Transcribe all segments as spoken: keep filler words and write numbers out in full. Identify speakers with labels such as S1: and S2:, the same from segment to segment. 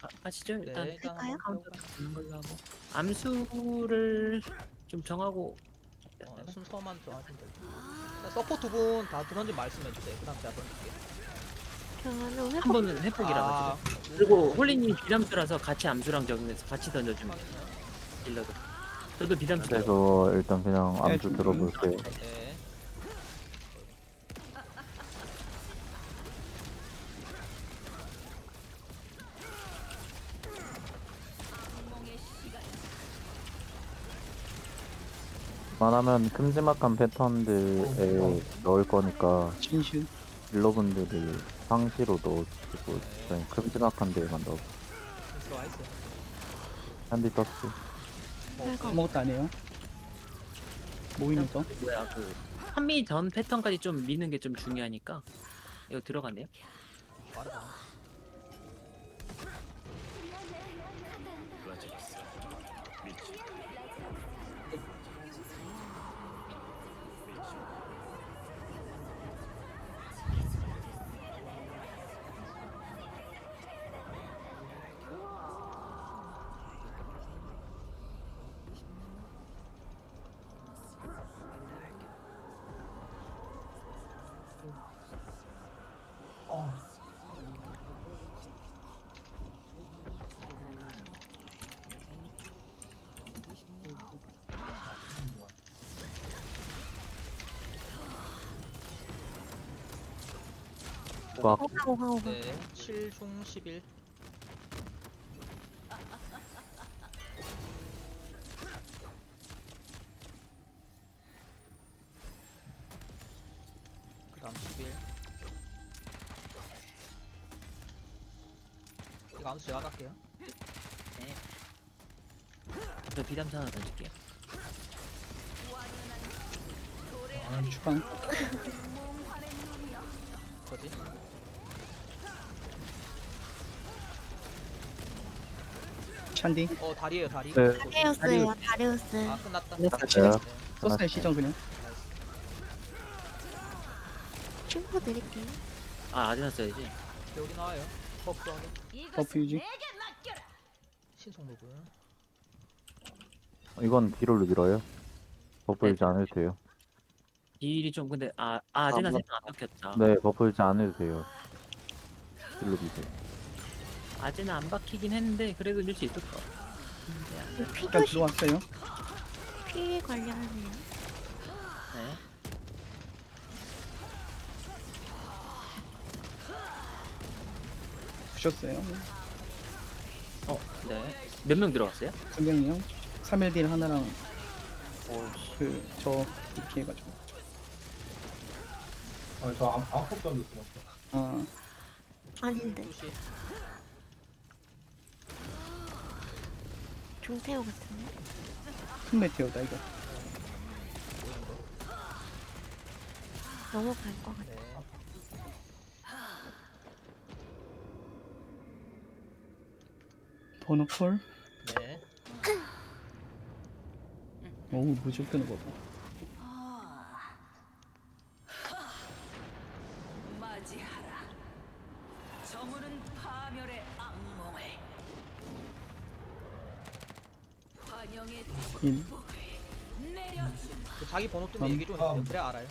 S1: 가시죠. 일단
S2: 네, 일단
S3: 할까요?
S2: 한번
S1: 카운터
S2: 들어볼까요?
S1: 주는 걸로 하고 암수를 좀 정하고
S2: 어, 순서만 정하시면 돼요. 자, 서포 두 분 다 던지 말씀해주세요. 그 다음 제가 던질게요.
S3: 저는
S1: 한
S3: 회복
S1: 번은 회복이라
S2: 아,
S1: 가지고 그리고 홀리님 비담수라서 같이 암수랑 적용해서 같이 던져주면 돼요. 딜러도 저도 비담수
S4: 그래서 일단 그냥
S5: 네,
S4: 암수
S5: 준비.
S4: 들어볼게요.
S2: 네.
S4: 만하면 큼지막한 패턴들에 넣을 거니까
S5: 진실.
S4: 딜러분들이 상시로 넣어주시고 저희 큼지막한 데에만 넣어.
S2: 들어와 있어요.
S4: 한디 떴어.
S3: 회복
S5: 아무것도 안 해요. 모이는 거.
S1: 뭐야 그 한미 전 패턴까지 좀 미는 게 좀 중요하니까 이거 들어갔네요.
S2: 빠르다.
S4: 꽉
S3: 하고 하고
S2: 네, 칠 중 십일. 그 다음 십일. 이거 암수 제가 갈게요.
S1: 네. 저 비담수 하나 던질게요.
S5: 아, 주방.
S2: 거지?
S5: 샨디.
S2: 어, 다리에요, 다리.
S4: 네.
S3: 다리우스예요. 다리우스.
S2: 아, 끝났다.
S4: 끝났어요.
S2: 네.
S5: 썼어요, 시정 그냥.
S3: 춤포 드릴게요.
S1: 아 아드나 써야지.
S2: 배우리 나와요. 버프 하게.
S5: 버프 유지.
S2: 신속 로그.
S4: 이건 뒤로 밀어요. 버프
S1: 네.
S4: 유지 안 해도 돼요.
S1: 딜이 좀 근데 아, 아 아드나
S4: 아,
S1: 생각 안 박혔다.
S4: 네, 버프 유지 안 해도 돼요. 뒤로 미세요.
S1: 아드나 안 박히긴 했는데 그래도 밀 수 있을 것 같아. 근데
S5: 일단
S3: 피교시
S5: 들어왔어요.
S3: 피 관리하네요.
S1: 네.
S5: 부셨어요.
S1: 어, 네. 몇 명 들어갔어요?
S5: 두 명이요. 삼 일 딜 하나랑
S1: 어,
S5: 그 저 이렇게 해가지고.
S6: 아, 저 아무 아무것도 안 됐어.
S5: 아,
S3: 아닌데
S2: 투시.
S3: 중태호 같은데.
S5: 큰 메테오다 이거.
S2: 보이는 거.
S3: 넘어갈 것 같아.
S2: 네.
S5: 번호 콜.
S2: 네.
S5: 오, 무지 끄는 거 봐.
S7: 맞이하라. 저물은 파멸의 악몽을 환영의
S5: 인.
S7: 내려주마.
S2: 그 자기 번호 뜨면
S5: 음.
S2: 얘기 좀 해주세요. 그래 알아요.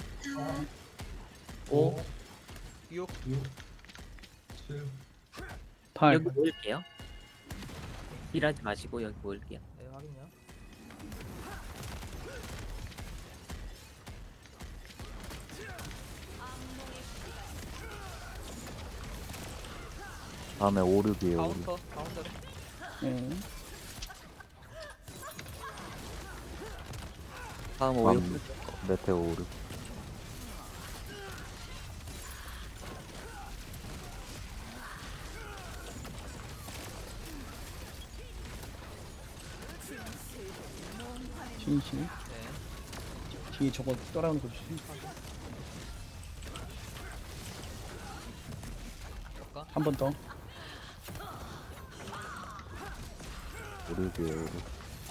S1: 오,
S2: 육.
S6: 육, 칠,
S5: 팔.
S1: 여기 모일게요. 딜하지 마시고 여기 모일게요.
S2: 네, 확인요.
S4: 다음에 오륙이에요, 오륙.
S2: 카운터, 카운터.
S5: 네.
S1: 다음
S4: 다음
S1: 오육.
S4: 메테오 오륙.
S5: 진실.
S2: 네.
S5: 뒤에 저거 따라오는 거 주세요.
S2: 볼까?
S5: 한 번 더.
S4: 오륙이에요, 오륙.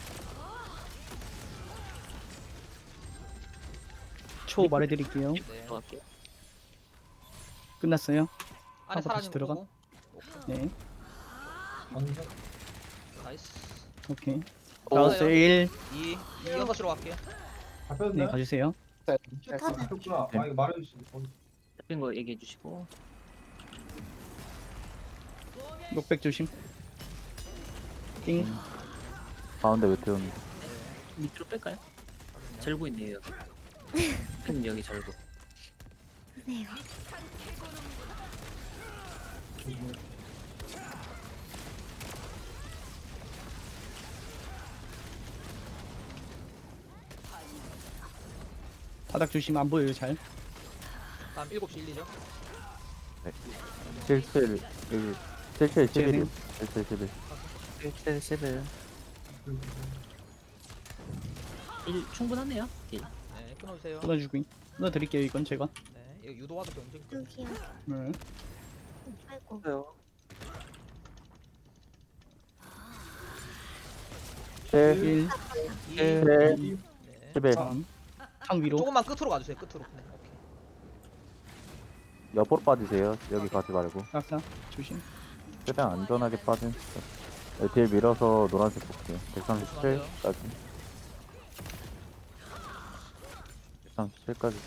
S5: 초 말해드릴게요.
S2: 네.
S1: 들어갈게요.
S5: 끝났어요.
S2: 안에
S5: 하고 다시
S2: 사라지는
S5: 들어가.
S2: 거고.
S5: 네.
S6: 방금
S2: 나이스.
S5: 오케이.
S8: 오.
S5: 나왔어 일.
S2: 이, 이 여섯 시로 갈게요.
S5: 네
S6: 잡혔네.
S5: 가주세요.
S3: 좋다네.
S6: 잡혔구나.
S4: 네.
S6: 아 이거 말해주시.
S1: 잡힌 거 얘기해 주시고.
S5: 녹백 조심. 띵.
S4: 가운데 왜 태우는데?
S1: 밑으로 뺄까요? 절고 있네요 여기. 큰 여기 절고.
S3: 그래요.
S5: 바닥 조심 안 보여요 잘.
S2: 다음 일곱 시 일, 이죠.
S4: 칠칠 일 칠칠 십일
S5: 재생.
S4: 칠칠 십일
S8: 일칠 십일.
S1: 일 충분하네요. 일.
S2: 네, 끊어주세요.
S5: 끊어주고 끊어드릴게요 이건 제가.
S2: 네, 이거 유도와도 경쟁.
S3: 여기요.
S5: 네.
S3: 아이고.
S8: 그래요.
S4: 칠
S5: 일.
S2: 이,
S4: 칠
S2: 네.
S4: 십일
S5: 삼. 상 위로.
S2: 조금만 끝으로 가주세요. 끝으로. 네, 오케이.
S4: 옆으로 빠지세요. 여기 가지 말고
S5: 낙사 조심.
S4: 최대한 안전하게 빠진. 네, 딜 밀어서 노란색 볼게요. 백삼십칠까지. 백삼십칠까지.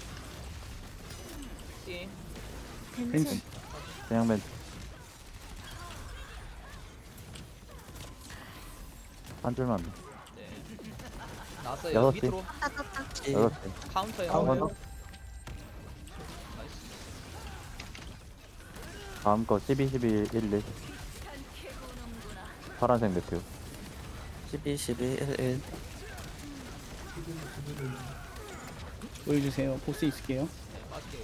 S2: 띵.
S3: 벤츠.
S4: 그냥 맨. 한 줄만.
S2: 네. 나왔어요.
S4: 여섯 시.
S2: 밑으로.
S3: 따따따.
S4: 여섯 개.
S2: 카운터요.
S4: 한 번 더.
S2: 나이스.
S4: 다음 거 십이, 십일, 일, 일. 파란색 메테오.
S8: 십이, 십이, 일, 일.
S5: 보여주세요. 보스 있을게요.
S2: 네, 맞게요.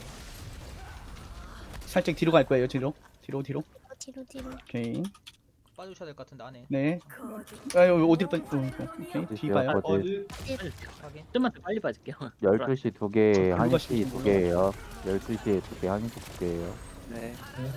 S5: 살짝 뒤로 갈 거예요. 뒤로. 뒤로 뒤로.
S3: 어, 뒤로 뒤로.
S5: 오케이.
S2: 빠져주셔야 될 것 같은데 안에.
S5: 네. 아 여기 어디로 빠지? 어, 이거. 오케이. 뒤 봐요.
S4: 어디?
S6: 어디?
S2: 확인.
S1: 좀만 더 빨리 빠질게요.
S4: 열두 시 두 개,
S5: 저
S4: 한
S5: 불과
S4: 시
S5: 시키는
S4: 두
S5: 걸로.
S4: 개예요. 열두 시에 두 개, 한 시 두 개예요.
S8: 네.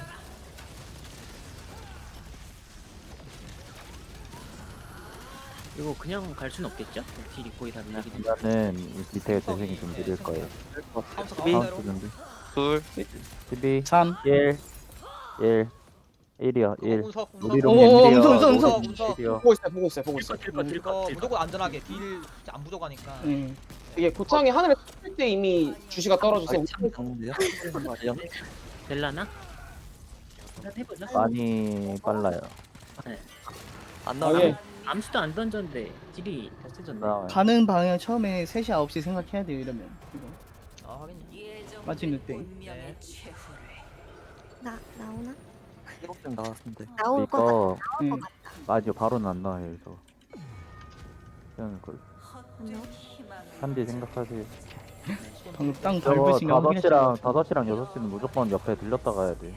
S1: 이거 그냥 갈 순 없겠죠? 딜이 거의 다 밀리기 때문에.
S4: 일단은 밑에 재생이 좀 느릴 거예요.
S2: 카운터
S8: 십이.
S2: 가운데로.
S4: 카운트 준비.
S8: 둘.
S4: 십이,
S5: 삼.
S4: 일, 일, 일이요.
S2: 그거
S4: 일.
S2: 운석, 운석.
S4: 우리로
S5: 오,
S4: 일이요.
S5: 운석, 운석, 운석.
S4: 우리로
S2: 운석.
S4: 일이요.
S9: 보고 있어요, 보고 있어요, 보고 있어요.
S1: 딜컷 딜컷
S2: 이거
S1: 딜컷 딜컷.
S2: 무조건 안전하게 딜 진짜 안 부족하니까.
S5: 네.
S9: 이게 고창이 하늘에 뜰 때 이미 주시가 떨어져서
S8: 참 좋은데요? 영.
S1: 될라나? 일단 해보죠.
S4: 많이 빨라요.
S8: 안
S9: 아,
S8: 나와요.
S9: 예.
S1: 암수도 안 던졌는데 딜이 더 세졌네.
S4: 나와요.
S5: 가는 방향 처음에 세 시 아홉 시 생각해야 돼요. 이러면. 이거.
S2: 아, 하긴.
S5: 빠지는 때.
S2: 네.
S3: 나 나오나?
S8: 일곱 점 나왔는데.
S3: 나올 거
S4: 이거
S5: 네.
S4: 아니요 바로는 안 나와요. 이거. 그냥 그
S3: 같나?
S4: 한디 생각하세요.
S5: 방금 땅
S4: 저거
S5: 밟으신 거
S4: 다섯
S5: 확인했죠?
S4: 시랑 다섯 시랑 여섯 시는 무조건 옆에 들렸다 가야 돼.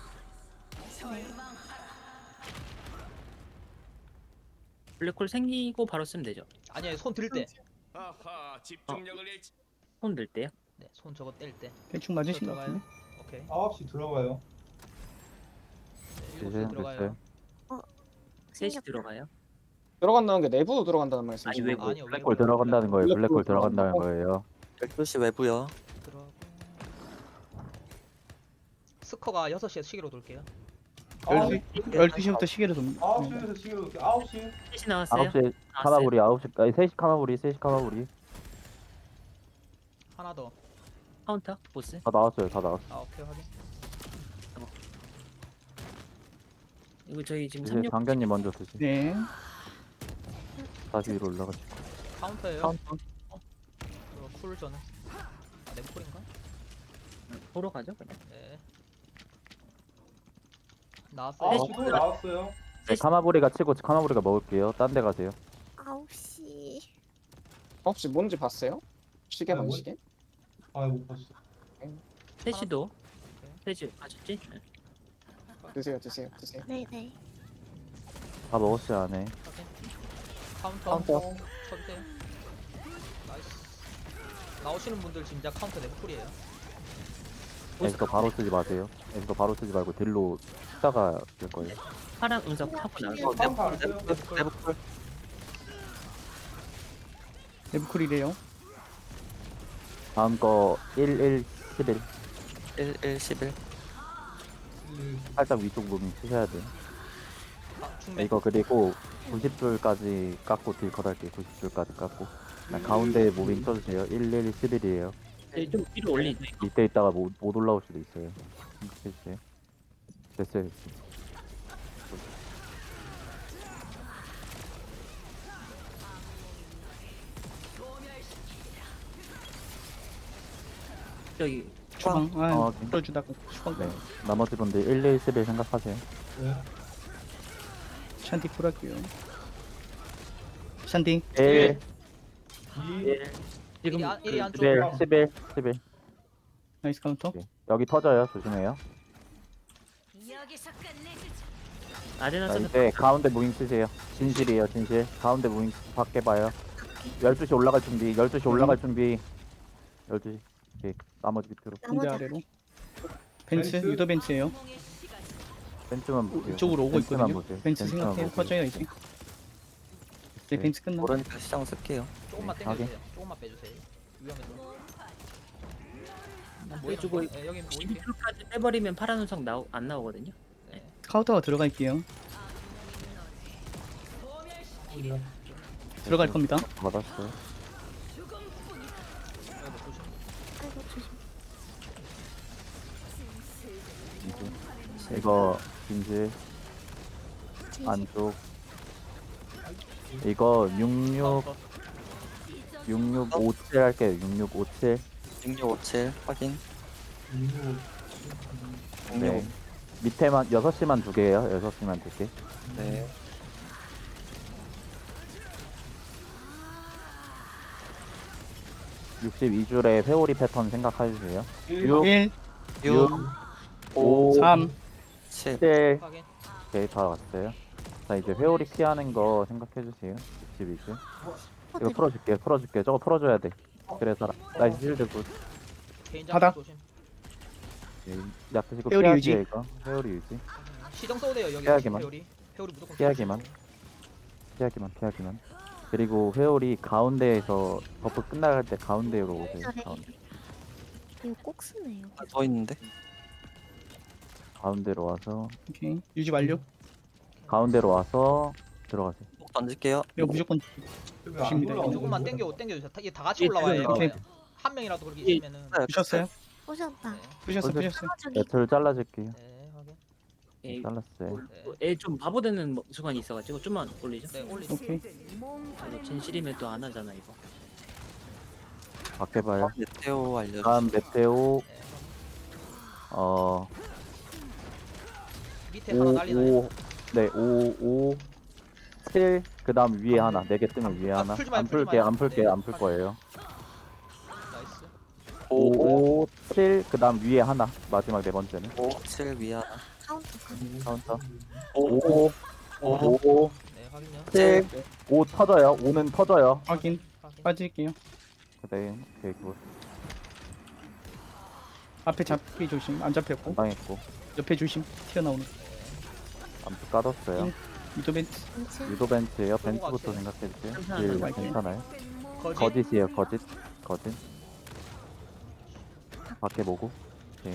S1: 블랙홀 생기고 바로 쓰면 되죠.
S2: 아니에요, 손 들 때.
S10: 아하, 집중력을 잃지.
S1: 손 들 때요.
S2: 네, 손 저거 뗄 때.
S5: 대충 맞으신 것
S2: 들어가요.
S5: 같은데.
S2: 오케이.
S6: 아홉 시 들어가요.
S2: 네, 일곱 시
S4: 재생
S2: 들어가요.
S4: 됐어요.
S1: 셋이
S3: 생겼다.
S1: 들어가요.
S9: 들어간다는 게 내부로 들어간다는 말씀이시죠?
S1: 아니, 외부.
S2: 아니요,
S4: 블랙홀 들어간다는 거예요. 블랙홀 들어간다는 거예요.
S8: 열두 시 외부요.
S2: 들어가고. 스커가 여섯 시에 시계로 돌게요.
S6: 아홉
S5: 열두 시부터 시계를 좀.
S6: 아홉
S5: 네.
S6: 시에서 시계로 아홉 시.
S1: 셋이 나왔어요.
S4: 아홉 시 카나브리 아홉 시 아니 세 시 카나브리 세 시 카나브리
S2: 하나 더.
S1: 카운터 보스.
S4: 다 나왔어요. 다 나왔어.
S2: 아, 오케이, 확인.
S1: 이거 저희 지금
S4: 이제
S1: 삼 육
S4: 장견님 먼저 드시.
S5: 네.
S4: 다시 위로 올라가시.
S2: 카운터예요.
S1: 카운터
S2: 그거 쿨 저는. 아, nem쿨인가?
S1: 보러 가죠 그냥.
S2: 네. 나왔어요.
S6: 아홉 시도 나왔어요.
S4: 네, 카나브리가 치고 카나브리가 먹을게요. 딴 데 가세요.
S3: 아홉 시.
S9: 혹시 뭔지 봤어요? 시계
S6: 아,
S9: 반
S6: 뭔-
S9: 시계?
S6: 아, 못 봤어.
S1: 셋이도 셋이 가셨지? 네.
S9: 드세요, 드세요, 드세요.
S3: 네네.
S4: 다 먹었어요 안에.
S2: 확인. 카운터.
S9: 카운터.
S2: 쳐주세요. 나이스. 나오시는 분들 진짜 카운터 nem쿨이에요.
S4: 에스더 바로 쓰지 마세요. 에스더 바로 쓰지 말고 딜로 숫자가 될 거예요.
S1: 파란 운석 하고 나서
S8: 어,
S6: 카운터 안
S8: 내부,
S6: 써요?
S8: 내부, 내부 쿨.
S5: 내부쿨이래요.
S4: 다음 거 일, 일, 십일.
S8: 일, 일, 십일.
S6: 일.
S4: 살짝 위쪽 부분 쓰셔야 돼요.
S2: 아, 충매.
S4: 이거 그리고 구십 줄까지 깎고 딜컷 할게요. 구십 줄까지 깎고. 그냥 가운데 무빙 쳐주세요. 일, 일, 십일이에요.
S1: 네, 좀 위로 올리죠.
S4: 밑에 있다가 못, 못 올라올 수도 있어요. 생각해주세요. 됐어요, 됐어요.
S1: 저기
S5: 추방.
S4: 어,
S5: 아,
S4: 오케이.
S5: 풀어주다가 추방.
S4: 네. 나머지 분들 일, 일, 십일 생각하세요.
S6: 네.
S5: 샨디 풀할게요. 샨디.
S4: 일,
S6: 이.
S1: 지금
S2: 일이 안- 일이
S1: 그-
S2: 안쪽.
S4: 십일, 십일, 십일.
S5: 나이스 카운터.
S4: 오케이. 여기 터져요. 조심해요.
S7: 여기서 끝내주자.
S1: 아레나
S4: 자,
S1: 서는
S4: 이제 가운데 무빙 쓰세요. 진실이에요, 진실. 가운데 무빙 밖에 봐요. 열두 시 올라갈 준비, 열두 시 올라갈 준비. 열두 시. 오케이. 나머지 밑으로.
S5: 군대
S3: 나머지
S5: 아래로. 벤츠,
S6: 벤츠.
S5: 유도 벤츠예요.
S7: 악몽의 시간.
S4: 벤츠만 보세요.
S5: 이쪽으로 오고
S4: 벤츠만
S5: 있거든요.
S4: 보세요.
S5: 벤츠
S4: 벤츠만
S5: 생각해요.
S4: 보세요.
S5: 터져요 이제. 이제
S4: 네.
S5: 벤츠 끝나.
S8: 모르니까 시장 쓸게요.
S2: 조금만
S4: 네,
S2: 당겨주세요. 조금만 빼주세요. 위험해서.
S1: 빼주고
S2: 네, 여기
S1: 십이
S2: 모일게요.
S1: 줄까지 빼버리면 파란 운석 나오 안 나오거든요.
S5: 카운터가 들어갈게요. 들어갈 겁니다.
S4: 받았어요.
S2: 아이고, 조심.
S3: 아이고 조심.
S4: 이제. 이거 진실
S3: 진실.
S4: 안쪽. 이거 육육
S2: 카운터.
S4: 육육오칠 할게요. 육육오칠.
S8: 육육오칠 확인.
S4: 네.
S8: 육육.
S4: 밑에만 여섯 시만 두 개예요. 여섯 시만 두 개.
S8: 네.
S4: 육십이 줄에 회오리 패턴 생각해 주세요.
S6: 일.
S4: 육,
S5: 일,
S4: 육, 오,
S5: 삼,
S8: 칠.
S4: 칠.
S2: 확인.
S4: 오케이, 다 왔어요. 자, 이제 회오리 피하는 거 생각해 주세요. 육십이 줄. 이거 풀어줄게요. 풀어줄게요. 저거 풀어줘야 돼. 그래서 나이스 실드 굿.
S2: 개인
S5: 바닥.
S2: 장비 조심.
S4: 네, 약드시고
S5: 회오리
S4: 피하기에
S5: 유지.
S4: 이거. 회오리 유지.
S2: 시정 써도 돼요. 여기
S4: 피하기만.
S2: 회오리. 회오리 무조건
S4: 피하기만. 피하기만, 피하기만. 그리고 회오리 가운데에서 버프 끝나갈 때 가운데로 오세요.
S3: 잘해.
S4: 가운데.
S3: 이거 꼭 쓰네요.
S8: 더 있는데.
S4: 가운데로 와서
S5: 오케이. 유지 완료.
S4: 가운데로 와서 들어가세요.
S8: 꼭 던질게요.
S5: 이거 무조건 조심입니다.
S6: 안 올라오네.
S2: 조금만 당겨 당겨주세요. 다- 이게 다 같이
S1: 예,
S2: 올라와요.
S5: 오케이.
S2: 이거. 한 명이라도 그렇게
S1: 예.
S2: 있으면은.
S5: 부셨어요?
S3: 오셨다.
S5: 부셨어,
S4: 어디-
S5: 부셨어.
S3: 저기
S4: 배틀 잘라줄게요.
S2: 네, 확인.
S1: 예,
S4: 잘랐어요.
S2: 네,
S1: 애좀 바보 되는 뭐- 순간이 있어가지고 좀만 올리죠.
S2: 네 올리.
S5: 오케이.
S1: 이거 진실이면 또 안 하잖아 이거.
S4: 밖에 봐요.
S8: 메테오 알려주세요.
S4: 다음 메테오
S2: 네,
S4: 어
S2: 밑에 하나 날리나요?
S4: 오, 네, 오, 오, 칠, 그 다음 위에 하나, 네 개 뜨면 위에
S2: 아,
S4: 하나.
S2: 풀지 마요,
S4: 안
S2: 풀지
S4: 풀게요,
S2: 마요.
S4: 안 풀게요,
S2: 네.
S4: 안 풀 거예요.
S2: 나이스.
S4: 오, 오, 칠, 그 다음 위에 하나. 마지막 네 번째는.
S8: 오, 칠 위아.
S3: 카운터 카운터.
S4: 카운터.
S8: 오,
S4: 오, 오,
S2: 네, 확인요.
S4: 칠, 오 터져요. 오는 터져요.
S5: 확인.
S2: 확인.
S5: 빠질게요.
S4: 네, 오케이, 그거
S5: 앞에 잡기 조심. 안 잡혔고.
S4: 안 당했고.
S5: 옆에 조심. 튀어나오는.
S4: 암프 까졌어요.
S5: 응. 유도 벤츠.
S3: 벤츠.
S4: 유도 벤츠예요.
S2: 쏘고
S4: 벤츠부터
S2: 갈게요.
S4: 생각해주세요.
S1: 감사합니다.
S4: 딜 괜찮아요.
S2: 거짓.
S4: 거짓이에요, 거짓. 거짓. 밖에 보고. 오케이.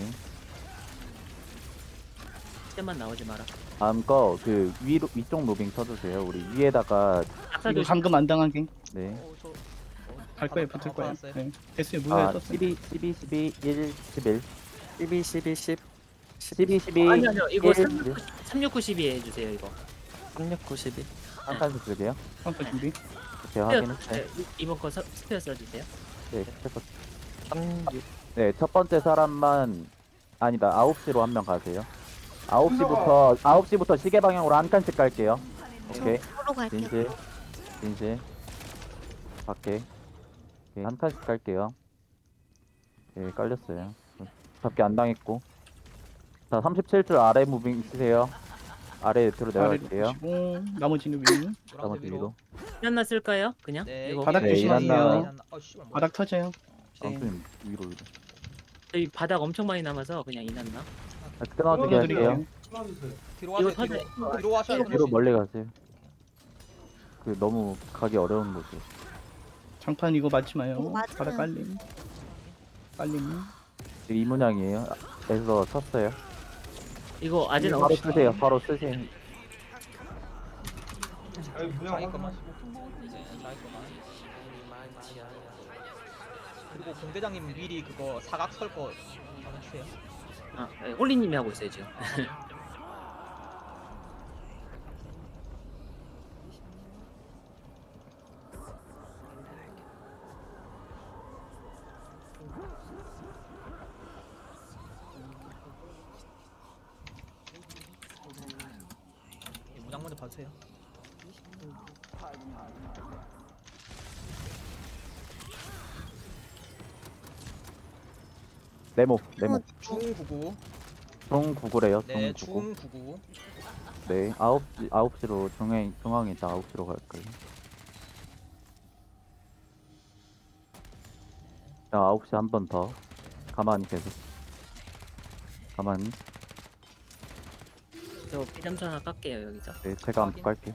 S1: 때만 나오지 마라.
S4: 다음 거 그 위로 위쪽 무빙 쳐주세요. 우리 위에다가
S1: 아까
S5: 이거
S1: 조
S5: 감금 안 당하게.
S4: 네.
S2: 어, 저. 어,
S5: 갈 거예요.
S2: 받았다.
S5: 붙을
S2: 어,
S5: 거예요.
S2: 받았어요.
S5: 네. 됐어요. 무효에
S4: 아
S5: 떴어요.
S4: 십이, 십이, 십이, 일, 십일,
S8: 십이, 십이, 십.
S4: 십이, 십이,
S1: 아니 아니요 이거
S4: 일,
S1: 삼육구 십이 해주세요 이거.
S8: 삼육구, 십이.
S4: 한 칸씩 줄게요.
S5: 카운터 준비.
S4: 제가 확인했어요.
S1: 네, 이번 거 서- 스페어 써주세요.
S4: 네, 스텝업.
S8: 삼육.
S4: 네, 첫 번째 사람만 아니다. 아홉 시로 한 명 가세요. 아홉 시부터 아홉 시부터 시계 방향으로 한 칸씩 갈게요. 오케이.
S3: 보러 갈게요.
S4: 진실. 진실. 밖에. 오케이, 한 칸씩 갈게요. 오케이, 깔렸어요. 잡기 안 당했고. 자, 삼십칠 줄 아래 무빙 쓰세요. 아래 밑으로
S5: 아래로
S4: 내려갈게요.
S5: 보시고 나머지는 위로.
S4: 나머지
S2: 노란색
S4: 위로.
S2: 위로.
S1: 하나 쓸까요? 그냥?
S2: 네.
S1: 이거
S5: 바닥
S4: 네,
S5: 조심하세요.
S4: 일어나.
S2: 어, 씨발, 뭐.
S5: 바닥 터져요.
S4: 아무튼 위로 위로.
S1: 저희 바닥 엄청 많이 남아서 그냥 이났나?
S4: 아, 끊어지게 할게요.
S5: 드릴게요.
S6: 풀어주세요.
S2: 뒤로
S1: 이거
S2: 와서
S1: 터져.
S2: 뒤로. 뒤로 와셔야
S4: 뒤로 멀리 가세요. 그 너무 가기 어려운 거죠.
S5: 장판 이거 맞지 마요.
S3: 이거 맞으면-
S5: 바닥 깔림. 깔림.
S4: 지금 이 문양이에요. 에서 쳤어요.
S1: 이거 아직
S5: 이거
S1: 어
S4: 바로 쓰세요. 바로 쓰세요.
S6: 여기 문양
S2: 자기 것만.
S6: 확인하시고.
S2: 네, 자기 거만. 그리고 공대장님 미리 그거 사각 설거 해주세요.
S1: 아, 네, 홀리님이 하고 있어요 지금.
S2: 예, 문양 먼저 봐주세요.
S4: 네모 네모
S2: 중 구구.
S4: 중 구구래요.
S2: 네,
S4: 중 구구.
S2: 중 구구.
S4: 네 아홉 시 아홉 시로 중앙 중앙에 있다 아홉 시로 갈 거예요. 자 아홉 시 한 번 더 가만히 계속 가만히.
S1: 저 비담수 하나 깎게요 여기서.
S4: 네 제가 한번
S2: 확인.
S4: 깔게요.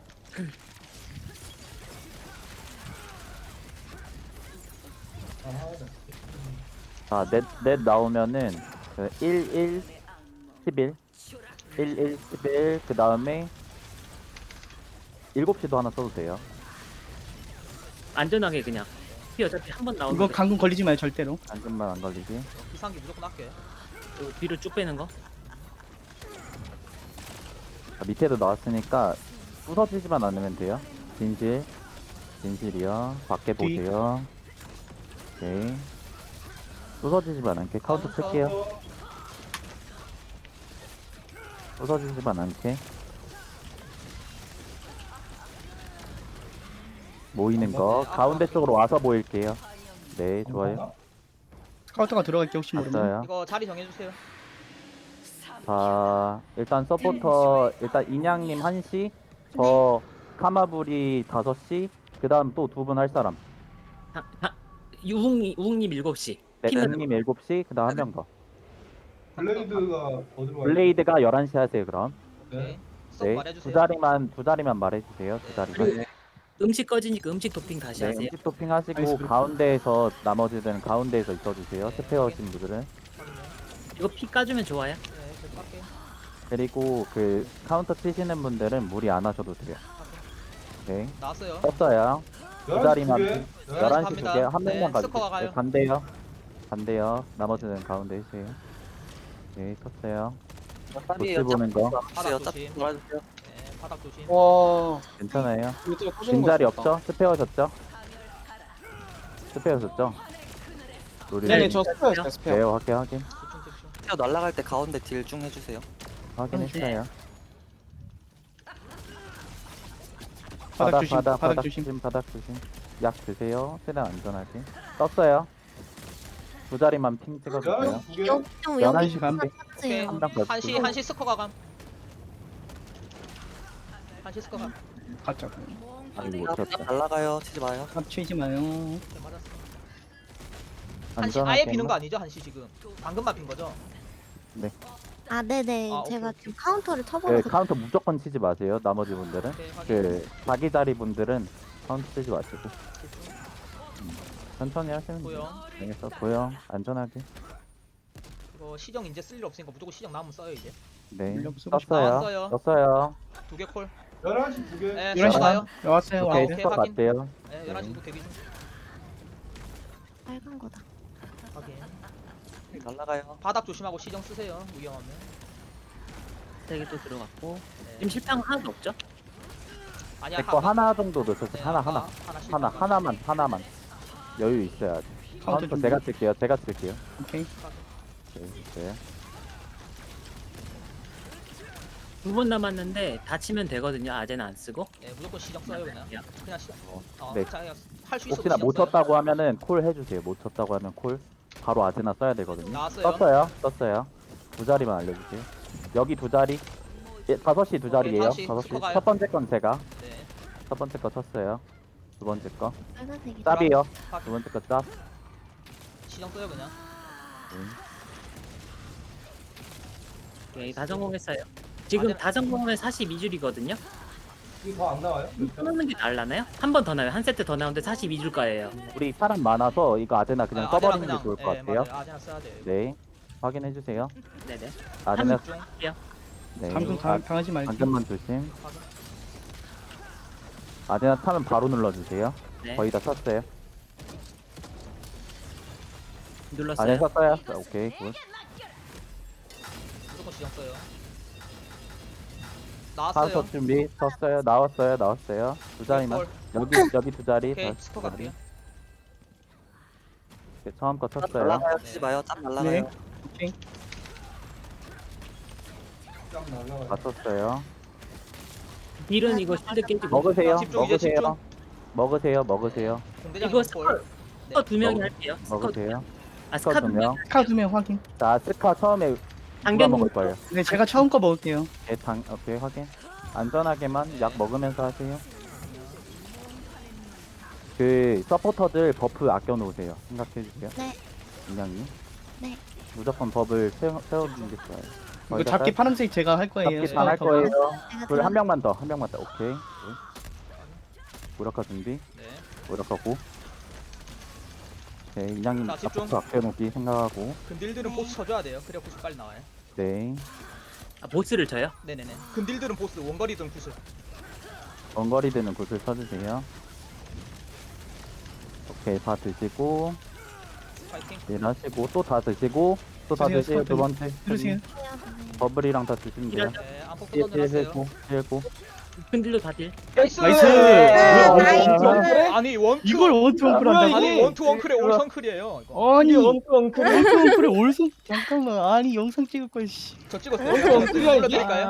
S4: 자, 넷, 넷 나오면은 그 일, 일, 십일, 일, 일, 십일, 그 다음에 일곱 시도 하나 써도 돼요.
S1: 안전하게 그냥. 피 어차피 한 번
S5: 이거
S1: 나오는데
S5: 강금 걸리지 마요 절대로.
S4: 안전만 안 걸리게.
S2: 비상기 무조건 할게.
S1: 그 뒤로 쭉 빼는 거.
S4: 자, 밑에도 나왔으니까 부서지지만 않으면 돼요. 진실, 진실이요. 밖에
S5: 뒤.
S4: 보세요. 오케이. 부서지지만 않게 카운트 쓸게요. 부서지지만 않게. 모이는 거 가운데 쪽으로 와서 모일게요. 네, 좋아요.
S5: 스카우터가 들어갈게 혹시 모르면.
S4: 봤어요.
S2: 이거 자리 정해주세요.
S4: 자, 일단 서포터 일단 인양님 한 시, 저 카마불이 다섯 시, 그 다음 또 두 분 할 사람.
S1: 하, 하, 우웅이 우웅님 일곱 시.
S4: 네,
S1: 피면
S4: 님 일곱 시, 그 다음 한 명 더.
S6: 블레이드가 더 들어와요.
S4: 블레이드가 열한 시 하세요, 그럼.
S2: 오케이.
S6: 네.
S2: 쏙
S4: 네,
S2: 말해주세요.
S4: 두 자리만, 두 자리만 말해주세요, 두 자리만.
S1: 네. 음식 꺼지니까 음식 토핑 다시
S4: 네,
S1: 하세요.
S4: 음식 토핑 하시고,
S5: 알겠습니다.
S4: 가운데에서, 나머지들은 가운데에서 있어주세요,
S2: 네,
S4: 스페어
S2: 확인.
S4: 하신 분들은.
S2: 확인요.
S1: 이거 피 까주면 좋아요.
S2: 네, 계속 할게요.
S4: 그리고 그, 카운터 치시는 분들은 무리 안 하셔도 돼요. 네,
S2: 나왔어요.
S4: 떴어요. 두
S6: 열한 시 두
S4: 자리만,
S6: 개.
S4: 열한 시 두
S2: 갑니다.
S4: 개, 한
S2: 네,
S4: 명만
S2: 스코어
S4: 가주세요.
S2: 가요.
S4: 네, 반대요. 반대요. 나머지는 가운데 해주세요. 네, 떴어요. 도치 보는 거.
S2: 바닥
S8: 딱
S2: 조심.
S8: 도와주세요.
S2: 네, 바닥 조심.
S9: 와,
S4: 괜찮아요.
S9: 이거 진짜 부수는
S4: 빈 자리
S9: 거 같다.
S4: 없죠? 스페어 셨죠? 스페어 셨죠? 우리
S9: 네네, 저 스페어였어요, 스페어.
S4: 네, 확인 확인
S2: 집중 집중.
S8: 튀어 날아갈 때 가운데 딜 중 해주세요.
S4: 확인했어요.
S5: 바닥 조심.
S4: 바닥
S5: 바닥
S4: 바닥
S5: 조심.
S4: 조심 바닥 조심. 약 드세요. 최대한 안전하게. 떴어요. 두 자리만 핑 찍어주세요.
S6: 열한 시 두 개.
S3: 여기 좀
S4: 열한
S3: 여기
S4: 시 반.
S2: 오케이.
S3: 주세요.
S4: 한장
S2: 한시
S4: 가주세요.
S2: 한시 스커가 감. 한시 스커 감.
S5: 가짜고.
S4: 아이고 못
S8: 딱
S4: 쳤다.
S8: 날아가요. 치지 마요.
S5: 합치지 마요.
S2: 네, 맞았어. 한시
S4: 안전하게.
S2: 아예 비는 거 아니죠? 한시 지금. 방금만 빈 거죠?
S3: 아 네네.
S2: 아, 오케이,
S3: 제가
S2: 오케이.
S3: 지금 카운터를
S4: 네,
S3: 쳐버려서
S4: 카운터 무조건 치지 마세요. 나머지 분들은
S2: 오케이, 확인.
S4: 그 자기 자리 분들은 카운터 치지 마시고
S2: 집중.
S4: 천천히 하시면 돼요.
S2: 고요.
S4: 알겠어. 고요. 안전하게.
S2: 이거 시정 이제 쓸 일 없으니까 무조건 시정 나오면 써요 이제.
S4: 네.
S5: 물량 쓰고 싶-
S4: 떴어요.
S2: 나왔어요.
S4: 떴어요.
S2: 두 개 콜.
S6: 열한 시 두 개.
S2: 네,
S5: 열한 시
S2: 스커 가요.
S5: 나왔어요.
S4: 오케이,
S2: 오케이,
S4: 스컷
S2: 확인.
S4: 맞대요.
S2: 네, 열한 시 구 대기 중.
S3: 빨간 거다.
S2: 확인.
S8: 날아가요.
S2: 바닥 조심하고 시정 쓰세요. 위험하면.
S1: 세개 또 들어갔고.
S2: 네.
S1: 지금 실패한 거 하나도 없죠?
S2: 아니야.
S4: 제거
S2: 아까-
S4: 하나 정도 넣으셨어요.
S2: 네,
S4: 하나
S2: 아까
S4: 하나
S2: 하나 실패한
S4: 하나
S2: 거.
S4: 하나만 하나만 여유 있어야지.
S5: 카운터
S4: 카운터
S5: 좀.
S4: 제가 쓸게요. 제가 쓸게요.
S5: 오케이.
S4: 네, 있어요.
S1: 두 번 남았는데 다치면 되거든요. 아재는 안 쓰고.
S2: 네, 무조건 시정 써요 그냥.
S1: 야,
S2: 그냥 시정. 어,
S4: 네.
S2: 자, 할수 있어.
S4: 혹시나 못 쳤다고 하면은 콜 해주세요. 못 쳤다고 하면 콜 바로 아제나 써야 되거든요.
S2: 나왔어요.
S4: 떴어요. 떴어요. 두 자리만 알려주세요. 여기 두 자리. 예, 다섯 시 두 자리예요.
S2: 다섯 시
S4: 다섯 시.
S2: 스코어가요.
S4: 첫 번째 건 제가.
S2: 네.
S4: 첫 번째 거 쳤어요. 두 번째 거.
S3: 빨간색이.
S4: 짭이요.
S2: 확인.
S4: 두 번째 거 짭.
S2: 시정 써요 그냥.
S1: 네, 다 성공했어요. 지금
S2: 아재-
S1: 다 성공하면 사십이 줄이거든요.
S6: 이거 더 안 나와요?
S1: 끊는 게 날라나요? 한 번 더 나요. 한 세트 더 나오는데 사십이 줄 거예요.
S4: 우리 사람 많아서 이거 아제나 그냥
S2: 아,
S4: 써버리는
S2: 아제나
S4: 게 좋을
S2: 그냥-
S4: 것
S2: 네,
S4: 같아요.
S2: 맞아요. 아제나 써야 돼요.
S4: 네. 확인해 주세요.
S1: 네네.
S4: 아제나
S2: 집중.
S4: 네.
S5: 감금 당, 당하지 말기.
S4: 방금만 조심.
S2: 확인.
S4: 아제나 타면 바로 눌러주세요.
S1: 네.
S4: 거의 다 쳤어요.
S1: 눌렀어요.
S4: 아제나 쳤어요. 자, 오케이 굿.
S2: 무조건 지정 써요. 나왔어요.
S4: 사서 준비 쳤어요. 나왔어요. 나왔어요. 두 자리만.
S2: 헐.
S4: 여기 여기 두 자리.
S2: 오케이
S4: 다
S2: 스포
S4: 두 자리.
S2: 갈게요.
S4: 오케이, 처음 거
S8: 짭
S4: 쳤어요.
S8: 날라가요.
S2: 네.
S8: 치지 마요. 짭 날라가요.
S5: 오케이.
S6: 쫙 날라가요.
S4: 다 쳤어요.
S1: 딜은 이거 실드 깨지고.
S4: 먹으세요.
S2: 집중, 이제 집중.
S4: 먹으세요. 먹으세요. 먹으세요.
S2: 공대장
S1: 이거
S2: 볼.
S1: 스커 두 명이
S4: 먹-
S1: 할게요. 스커 두 명.
S4: 먹으세요.
S1: 아
S4: 스커
S1: 스카
S4: 두
S1: 두
S4: 명.
S1: 명.
S5: 스카 두 명 확인.
S4: 자, 스카 처음에 누가
S1: 당근
S4: 먹을 거예요?
S5: 네, 제가 처음 거 먹을게요.
S4: 네, 당, 오케이, 확인. 안전하게만 약 먹으면서 하세요. 그, 서포터들 버프 아껴놓으세요. 생각해주세요.
S3: 네.
S4: 인양님.
S3: 네.
S4: 무조건 법을 세워, 세워주는 게 좋아요.
S5: 이거
S4: 거의 다
S5: 잡기
S4: 깔-
S5: 파란색 제가 할 거예요.
S4: 잡기 다할
S5: 스카우터가.
S4: 거예요.
S3: 제가
S4: 둘, 한
S3: 들어-
S4: 명만 더, 한 명만 더. 오케이. 무력화 준비.
S2: 네.
S4: 무력화 고. 오케이, 인양님
S2: 자, 집중.
S4: 버프 아껴놓기 생각하고.
S2: 근딜들은 보스 쳐줘야 돼요. 그래야 보스 빨리 나와요.
S4: 네.
S1: 아, 보스를 쳐요?
S2: 네네네. 근딜들은 보스 원거리든 구슬.
S4: 원거리 드는 굿을 쳐주세요. 오케이, 다 드시고.
S2: 파이팅.
S4: 일 하시고 또 다 드시고 또 다
S5: 드세요,
S4: 드세요. 두
S5: 스쿼트.
S4: 번째
S5: 들으세요.
S4: 버블이랑 다 드시면 돼요.
S1: 이런-
S2: 네. 안폭
S4: 일, 일
S2: 던져놨어요.
S4: 하고 일 하고
S1: 근딜로 다 딜.
S2: 나이스.
S5: 나이스.
S3: 네,
S5: 뭐야,
S3: 나이스.
S5: 원투
S2: 아니 원투.
S5: 이걸 원투 원클 한다고?
S2: 아니 원투 원클의 올성클이에요. 이거.
S5: 아니 원투 원클 원투 원클에 올송 잠깐만 아니 영상 찍을 걸 씨.
S2: 저 찍었어요.
S5: 원투 원클이야, 이게?
S2: 불러드릴까요?